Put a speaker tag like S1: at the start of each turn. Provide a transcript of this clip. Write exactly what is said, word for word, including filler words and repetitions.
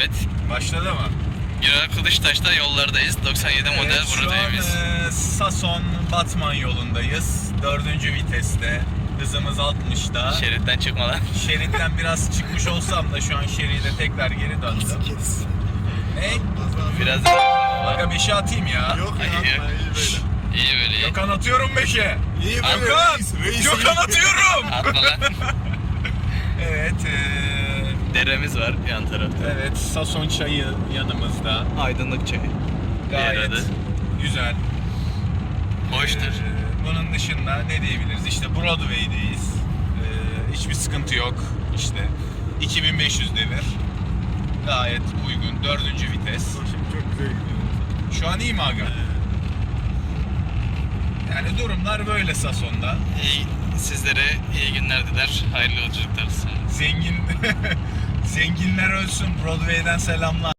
S1: Evet.
S2: Başladı mı?
S1: Güral Kılıçtaş'ta yollardayız. doksan yedi model
S2: Evet, şu
S1: buradayız.
S2: an e, Sason Batman yolundayız. Dördüncü viteste. Hızımız altmışta.
S1: Şeritten çıkmadan.
S2: Şeritten biraz çıkmış olsam da şu an şeride tekrar geri döndüm. Ne?
S1: Biraz
S2: Aga beşe atayım ya.
S3: Yok ya.
S1: İyi.
S3: iyi böyle.
S1: iyi böyle iyi.
S2: Gökhan atıyorum beşe.
S3: İyi böyle.
S2: Gökhan!
S3: Reis, reis
S2: Gökhan
S3: iyi.
S2: atıyorum!
S1: Atma lan.
S2: Evet. E,
S1: Deremiz var yan tarafta.
S2: evet Sason çayı yanımızda.
S1: Aydınlık çayı.
S2: Gayet
S1: Diğer adı.
S2: güzel.
S1: Hoştur.
S2: Ee, bunun dışında ne diyebiliriz? İşte Broadway'deyiz. Ee, hiçbir sıkıntı yok. İşte iki bin beş yüz devir. Gayet uygun. Dördüncü vites.
S3: Şimdi çok güzel gidiyor.
S2: Şu an iyi mi aga? Yani durumlar böyle Sason'da.
S1: İyi, sizlere iyi günler diler. Hayırlı yolculuklar.
S2: Zengin zenginler ölsün. Broadway'den selamlar.